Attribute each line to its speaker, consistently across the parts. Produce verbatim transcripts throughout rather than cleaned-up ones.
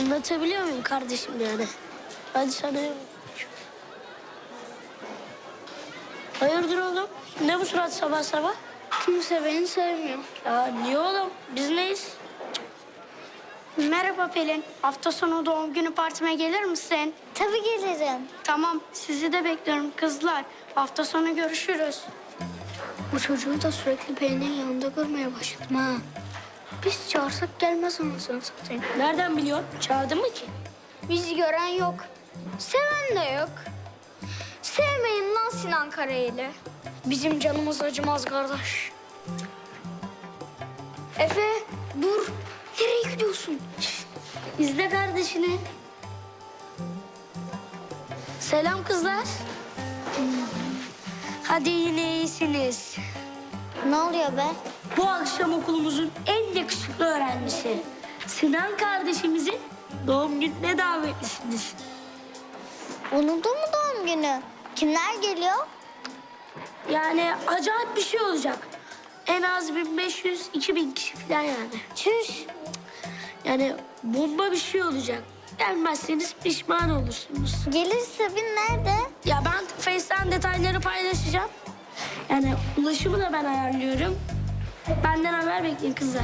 Speaker 1: Anlatabiliyor muyum kardeşim yani? Hadi sana... Hayırdır oğlum? Ne bu surat sabah sabah?
Speaker 2: Kimse beni sevmiyor.
Speaker 1: Ya niye oğlum? Biz neyiz?
Speaker 2: Merhaba Pelin. Hafta sonu doğum günü partime gelir misin?
Speaker 3: Tabii gelirim.
Speaker 2: Tamam, sizi de bekliyorum kızlar. Hafta sonu görüşürüz. Bu çocuğu da sürekli Pelin'in yanında görmeye başladım ha. Biz çağırsak gelmez anasını satayım.
Speaker 1: Nereden biliyorsun? Çağırdın mı ki?
Speaker 2: Bizi gören yok. Seven de yok. Sevmeyin lan Sinan Karayel'i. Bizim canımız acımaz kardeş. Efe, dur. Nereye gidiyorsun?
Speaker 1: İzle kardeşini. Selam kızlar. Hadi yine iyisiniz.
Speaker 3: Ne oluyor be?
Speaker 1: Bu akşam okulumuzun en yakışıklı öğrencisi Sinan kardeşimizin doğum gününe davetlisiniz.
Speaker 3: Unuttun mu doğum günü? Kimler geliyor?
Speaker 1: Yani acayip bir şey olacak. En az bin beş yüz iki bin kişi falan yani.
Speaker 3: Çüş.
Speaker 1: Yani bomba bir şey olacak. Gelmezseniz pişman olursunuz.
Speaker 3: Gelirse bin nerede?
Speaker 1: Ya ben Face'ten detayları paylaşacağım. Yani ulaşımı da ben ayarlıyorum. Benden haber bekleyin kızlar.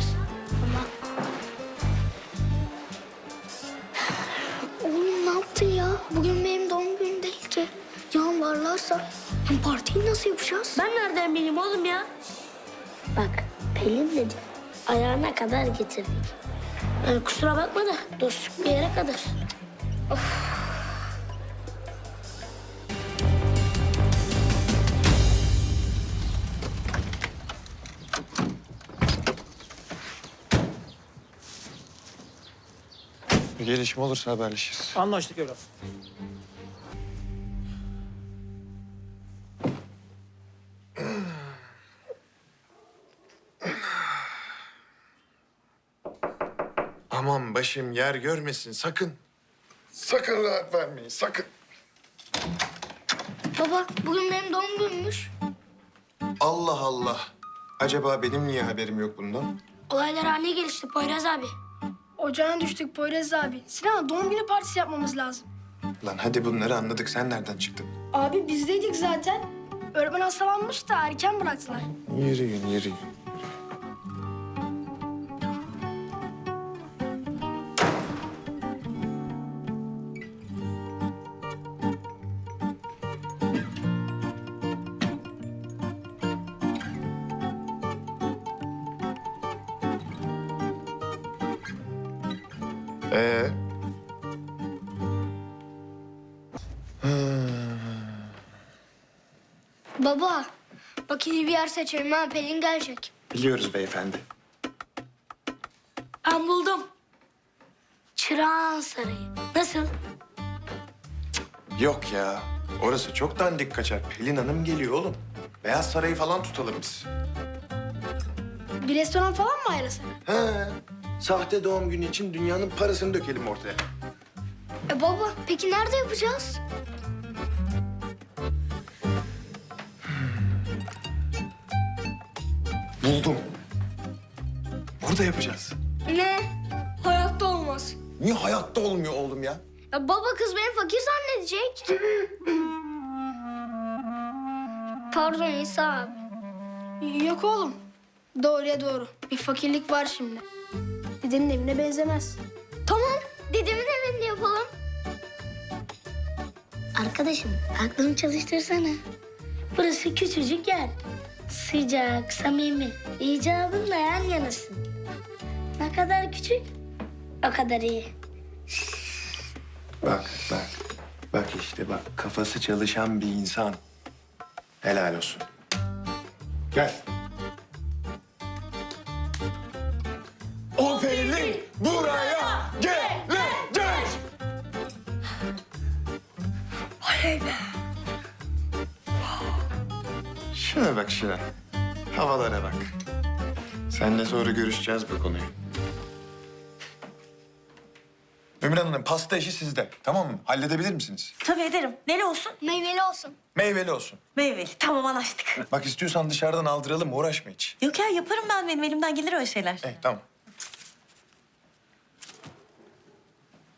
Speaker 2: Oğlum ne yaptın ya? Bugün benim doğum günüm değil ki. Yan varlarsa hem partiyi nasıl yapacağız?
Speaker 1: Ben nereden bileyim oğlum ya? Bak Pelin dedi. Ayağına kadar getirdik. Yani kusura bakma da dostluk bir yere kadar.
Speaker 4: Bir gelişme olursa haberleşiriz.
Speaker 5: Anlaştık evlat.
Speaker 4: Aman başım yer görmesin sakın. Sakın rahat vermeyin sakın.
Speaker 2: Baba bugün benim doğum günümmüş.
Speaker 4: Allah Allah. Acaba benim niye haberim yok bundan?
Speaker 1: Olaylar haline gelişti Poyraz abi.
Speaker 6: Ocağına düştük Poyraz abi. Sinan doğum günü partisi yapmamız lazım.
Speaker 4: Lan hadi bunları anladık. Sen nereden çıktın?
Speaker 6: Abi bizdeydik zaten. Öğretmen hastalanmış da erken bıraktılar.
Speaker 4: Yürüyün, yürüyün. Ee?
Speaker 2: Baba bak iyi bir yer seçelim ha Pelin gelecek.
Speaker 4: Biliyoruz beyefendi.
Speaker 1: Ben buldum. Çırağan Sarayı. Nasıl?
Speaker 4: Yok ya. Orası çok dandik kaçar. Pelin Hanım geliyor oğlum. Beyaz Sarayı falan tutalım biz.
Speaker 6: Bir restoran falan mı ayarlasak?
Speaker 4: He. Sahte doğum günü için dünyanın parasını dökelim ortaya.
Speaker 2: E baba peki nerede yapacağız?
Speaker 4: Buldum. Burada yapacağız.
Speaker 2: Ne? Hayatta olmaz.
Speaker 4: Niye hayatta olmuyor oğlum ya?
Speaker 2: Ya baba kız beni fakir zannedecek. Pardon İsa abi.
Speaker 6: Yok oğlum. Doğruya doğru. Bir fakirlik var şimdi. Dedenin evine benzemez.
Speaker 2: Tamam dedemin evinde yapalım.
Speaker 1: Arkadaşım aklını çalıştırsana. Burası küçücük yer. Sıcak, samimi. İcabınla yan yanasın. Ne kadar küçük, o kadar iyi.
Speaker 4: Bak, bak. Bak işte bak. Kafası çalışan bir insan. Helal olsun. Gel. O Pelin buraya gelecek.
Speaker 2: Oley be.
Speaker 4: Şuna bak şuna. Havalara bak. Seninle sonra görüşeceğiz bu konuyu. Ümran Hanım pasta işi sizde. Tamam mı? Halledebilir misiniz?
Speaker 7: Tabii ederim. Neli olsun?
Speaker 2: Meyveli olsun.
Speaker 4: Meyveli olsun.
Speaker 7: Meyveli. Tamam anlaştık.
Speaker 4: Bak istiyorsan dışarıdan aldıralım uğraşma hiç.
Speaker 7: Yok ya yaparım ben. Benim elimden gelir öyle şeyler.
Speaker 4: Eh tamam.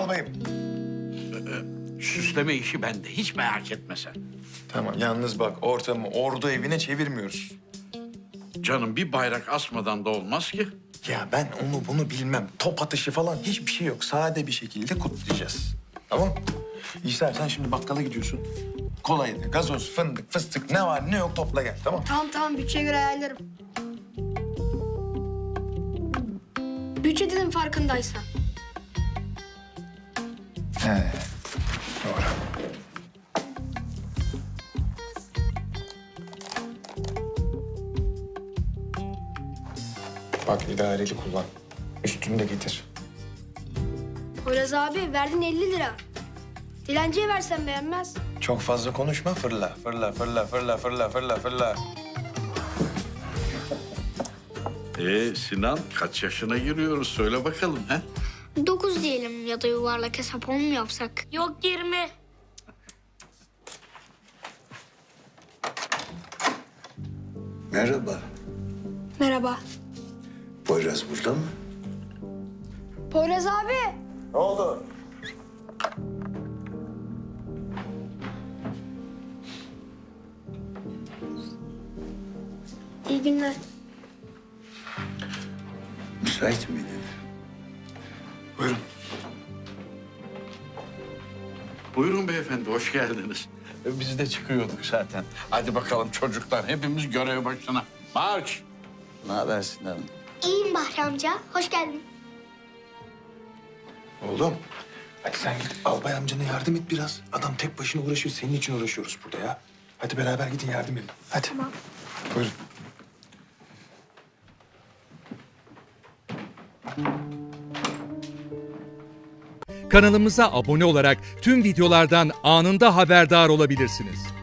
Speaker 4: albayım.
Speaker 5: Süsleme işi bende. Hiç merak etme sen.
Speaker 4: Tamam, yalnız bak ortamı ordu evine çevirmiyoruz.
Speaker 5: Canım bir bayrak asmadan da olmaz ki.
Speaker 4: Ya ben onu bunu bilmem. Top atışı falan hiçbir şey yok. Sade bir şekilde kutlayacağız. Tamam? İsa sen şimdi bakkala gidiyorsun. Kolaydı, gazoz, fındık, fıstık ne var ne yok topla gel, tamam?
Speaker 6: Tamam tamam bütçeye göre ayarlarım. Bütçe dedim farkındaysan.
Speaker 4: He, doğru. Bak idareli kullan. Üstünü de getir.
Speaker 6: Poyraz abi verdin elli lira. Dilenciye versen beğenmez.
Speaker 4: Çok fazla konuşma, fırla, fırla, fırla, fırla, fırla, fırla, fırla.
Speaker 5: Ee Sinan kaç yaşına giriyoruz söyle bakalım ha?
Speaker 2: Dokuz diyelim ya da yuvarlak hesap on mu yapsak?
Speaker 1: Yok yirmi.
Speaker 8: Merhaba.
Speaker 6: Merhaba.
Speaker 8: Poyraz burada mı?
Speaker 6: Poyraz abi.
Speaker 4: Ne oldu?
Speaker 6: İyi günler.
Speaker 8: Müsait miydin?
Speaker 4: Buyurun.
Speaker 5: Buyurun beyefendi hoş geldiniz. E, Biz de çıkıyorduk zaten. Hadi bakalım çocuklar hepimiz görev başına. Marş!
Speaker 8: Ne haber Sinan?
Speaker 2: İyiyim Bahri amca. Hoş geldin.
Speaker 4: Oğlum, hadi sen git albay amcana yardım et biraz. Adam tek başına uğraşıyor, senin için uğraşıyoruz burada ya. Hadi beraber gidin yardım edin. Hadi. Tamam. Buyurun.
Speaker 9: Kanalımıza abone olarak tüm videolardan anında haberdar olabilirsiniz.